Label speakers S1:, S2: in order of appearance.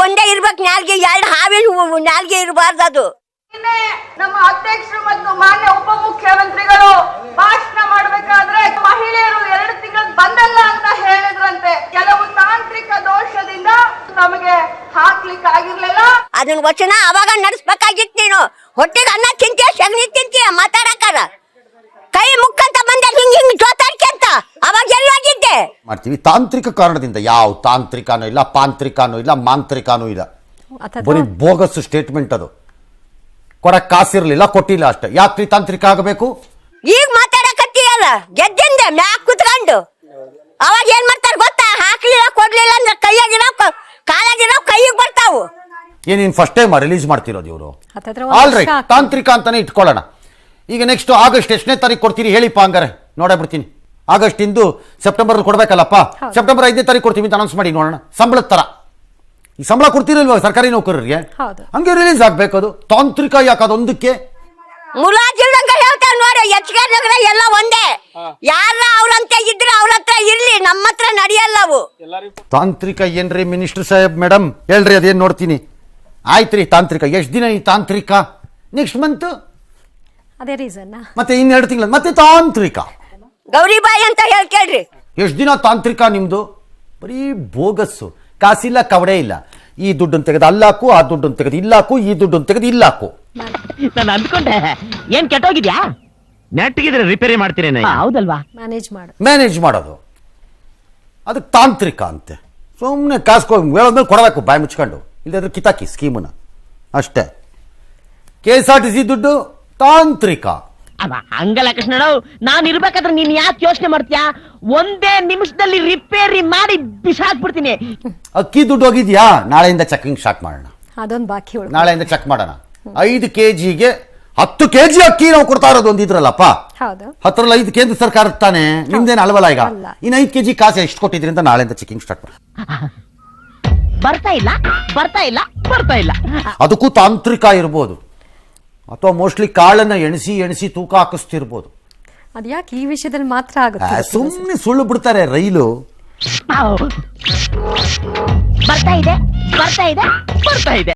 S1: ಒಂದೇ ಇರ್ಬೇಕು ನಾಲ್ಗೆ, ಎರಡು ಹಾವಿನ ನಾಲ್ಗೆ ಇರಬಾರ್ದು ಅದು.
S2: ನಮ್ಮ ಅಧ್ಯಕ್ಷರು ಮತ್ತು ಮಾನ್ಯ ಉಪಮುಖ್ಯಮಂತ್ರಿಗಳು ಭಾಷಣ ಮಾಡಬೇಕಾದ್ರೆ ಮಹಿಳೆಯರು 2 ತಿಂಗಳು ಬಂದಲ್ಲ ಅಂತ ಹೇಳಿದ್ರಂತೆ. ಕೆಲವು ತಾಂತ್ರಿಕ ದೋಷದಿಂದ ನಮಗೆ ಹಾಕ್ಲಿಕ್ಕೆ ಆಗಿರ್ಲಿಲ್ಲ.
S1: ಅದನ್ನ ವಚನ ಅವಾಗ ನಡೆಸ್ಬೇಕಾಗಿತ್ತು. ನೀನು ಹೊಟ್ಟೆಗೆ ಅನ್ನ ತಿಂತೀಯ, ಸಗಣಿ ತಿಂತೀಯ, ಮಾತಾಡಕಾರ ಕೈ ಮುಕ್ಕಂತ ಬಂದೆ ಹಿಂಗ್ ಜೋತಾಡ್ಕೆಂತ ಅವಾಗ ಎಲ್ಲೋಗಿದ್ದೆ.
S3: ಮಾಡ್ತೀವಿ ತಾಂತ್ರಿಕ ಕಾರಣದಿಂದ. ಯಾವ ತಾಂತ್ರಿಕನೂ ಇಲ್ಲ, ಪಾಂತ್ರಿಕನೂ ಇಲ್ಲ, ಮಾಂತ್ರಿಕನೂ ಇಲ್ಲ. ಬರೀ ಬೋಗಸ್ ಸ್ಟೇಟ್ಮೆಂಟ್ ಅದು. ಕೊಡಕ್ ಕಾಸಿರ್ಲಿಲ್ಲ, ಕೊಟ್ಟಿಲ್ಲ ಅಷ್ಟೇ. ಯಾಕ್ರಿ ತಾಂತ್ರಿಕ ಆಗಬೇಕು?
S1: ಈಗ ಮಾತಾಡಕತ್ತೀಯಲ್ಲ ಗೆದ್ದಿಂದ ಮ್ಯಾಕ್ ಕುತ್ಕೊಂಡು. ಅವಾಗ ಏನ್ ಮಾಡ್ತಾರ ಗೊತ್ತಾ? ಹಾಕ್ಲಿಲ್ಲ ಕೊಡ್ಲಿಲ್ಲ ಅಂದ್ರೆ ಕೈಯಾಗಿರೋ ಕಾಲಾಗಿರೋ ಕೈಗೆ ಬರ್ತಾವು.
S3: ಏನೇನು ಫಸ್ಟ್ ಟೈಮ್ ರಿಲೀಸ್ ಮಾಡ್ತಿರೋದು ಇವರು? ಆಲ್ ರೈಟ್, ತಾಂತ್ರಿಕ ಅಂತಾನೆ ಇಟ್ಕೊಳ್ಳೋಣ. ಈಗ ನೆಕ್ಸ್ಟ್ ಆಗಸ್ಟ್ ಎಷ್ಟನೇ ತಾರೀಕು ಕೊಡ್ತೀರಿ ಹೇಳಿಪ್ಪ? ಹಂಗಾರೆ ನೋಡೇ ಬಿಡ್ತೀನಿ. ಆಗಸ್ಟ್ ಇಂದು ಸೆಪ್ಟೆಂಬರ್ ಕೊಡ್ಬೇಕಲ್ಲಪ್ಪ. ಸೆಪ್ಟೆಂಬರ್ 5ನೇ ತಾರೀಕು ಕೊಡ್ತೀವಿ ಅಂತ ಅನೌನ್ಸ್ ಮಾಡಿ ನೋಡೋಣ. ಸಂಬಳದ ತರ ಈ ಸಂಬಳ ಕೊಡ್ತಿರಲ್ವ ಸರ್ಕಾರಿ ನೌಕರರಿಗೆ? ಹಂಗೆ ರಿಲೀಸ್ ಆಗ್ಬೇಕು. ಅದು ತಾಂತ್ರಿಕ ಯಾಕೆ? ಅದೊಂದಕ್ಕೆ
S1: ಮುಲಾಜಿಲ್ದಂಗ ಹೇಳ್ತಾರ ನೋಡಿ. ಎಚ್ಕೆ ನಗರ ಎಲ್ಲ ಒಂದೇ. ಯಾರ ಅವ್ರಂತ ಇದ್ರೆ ಅವ್ರ ಹತ್ರ ಇರ್ಲಿ, ನಮ್ಮ ಹತ್ರ ನಡೆಯಲ್ಲವು.
S3: ತಾಂತ್ರಿಕ ಏನ್ರಿ ಮಿನಿಸ್ಟರ್ ಸಾಹೇಬ್? ಮೇಡಮ್ ಹೇಳ್ರಿ, ಅದೇನ್ ನೋಡ್ತೀನಿ. ಆಯ್ತ್ರಿ ತಾಂತ್ರಿಕ. ಎಷ್ಟು ದಿನ ಈ ತಾಂತ್ರಿಕ? ನೆಕ್ಸ್ಟ್ ಮಂತ್
S4: ಅದೇ ರೀಸನ್.
S3: ಮತ್ತೆ 2 ತಿಂಗಳ ಮತ್ತೆ ತಾಂತ್ರಿಕ.
S1: ಗೌರಿಬಾಯಿ ಅಂತ ಹೇಳ್ಕೇಳ್ರಿ.
S3: ಎಷ್ಟು ದಿನ ತಾಂತ್ರಿಕ ನಿಮ್ದು? ಬರೀ ಬೋಗಸ್ಸು. ಕಾಸಿಲ್ಲ, ಕವಡೆ ಇಲ್ಲ. ಈ ದುಡ್ಡನ್ನು ತೆಗೆದು ಅಲ್ಲಾಕು, ಆ ದುಡ್ಡನ್ನು ತೆಗೆದು ಇಲ್ಲಾಕು, ಈ ದುಡ್ಡನ್ನು ತೆಗೆದು ಇಲ್ಲಾಕು.
S5: ನಾನು ಅಂದ್ಕೊಂಡೆ ಏನ್ ಕೆಟ್ಟೋಗಿದ್ಯಾ? ನೆಟ್ಟಿಗಿದ್ರೆ ರಿಪೇರಿ ಮಾಡ್ತೀರೇನೆ. ಹೌದಲ್ವಾ?
S4: ಮ್ಯಾನೇಜ್
S3: ಮಾಡೋದು ಅದಕ್ಕೆ ತಾಂತ್ರಿಕ ಅಂತೆ. ಸುಮ್ಮನೆ ಕಾಸ್ಕೊ ಹೇಳೋದ್ಮೇಲೆ ಕೊಡಬೇಕು ಬಾಯಿ ಮುಚ್ಕೊಂಡು. ಇಲ್ಲದ್ರೆ ಕಿತಾಕಿ ಸ್ಕೀಮನ್ನ ಅಷ್ಟೇ. KSRTC ದುಡ್ಡು ತಾಂತ್ರಿಕ.
S5: ಹಂಗಲ್ಲ ಕೃಷ್ಣ, ನಾನು ಇರ್ಬೇಕಾದ್ರೆ ನೀನ್ ಯಾಕೆ ಯೋಚನೆ ಮಾಡ್ತೀಯಾ? ಒಂದೇ ನಿಮಿಷದಲ್ಲಿ ರಿಪೇರಿ ಮಾಡಿ ಬಿಸಾಕ್ಬಿಡ್ತೀನಿ.
S3: ಅಕ್ಕಿ ದುಡ್ಡು ಹೋಗಿದ್ಯಾ? ನಾಳೆಯಿಂದ ಚೆಕಿಂಗ್ ಸ್ಟಾರ್ಟ್ ಮಾಡೋಣ.
S4: ಅದೊಂದು ಬಾಕಿ.
S3: ನಾಳೆಯಿಂದ ಚೆಕ್ ಮಾಡೋಣ. 5 kgಗೆ 10 kg ಅಕ್ಕಿ ನಾವು ಕೊಡ್ತಾ ಇರೋದು ಒಂದಿದ್ರಲ್ಲಪ್ಪ. 10ರಲ್ಲಿ 5 ಕೇಂದ್ರ ಸರ್ಕಾರ ತಾನೆ, ನಿಮ್ದೇನು ಅಲ್ವಲ್ಲ? ಈಗ ಇನ್ನು 5 kg ಕಾಸು ಎಷ್ಟು ಕೊಟ್ಟಿದ್ರಿ ಅಂತ ನಾಳೆಯಿಂದ ಚೆಕಿಂಗ್ ಸ್ಟಾರ್ಟ್ ಮಾಡೋಣ.
S5: ಬರ್ತಾ ಇಲ್ಲ.
S3: ಅದಕ್ಕೂ ತಾಂತ್ರಿಕ ಇರ್ಬೋದು. ಅಥವಾ ಮೋಸ್ಟ್ಲಿ ಕಾಳನ್ನ ಎಣಿಸಿ ತೂಕ ಹಾಕಿಸ್ತಿರ್ಬೋದು.
S4: ಅದ್ಯಾಕೆ ಈ ವಿಷಯದಲ್ಲಿ ಮಾತ್ರ ಆಗುತ್ತೆ?
S3: ಸುಮ್ಮನೆ ಸುಳ್ಳು ಬಿಡ್ತಾರೆ. ರೈಲು
S5: ಬರ್ತಾ ಇದೆ.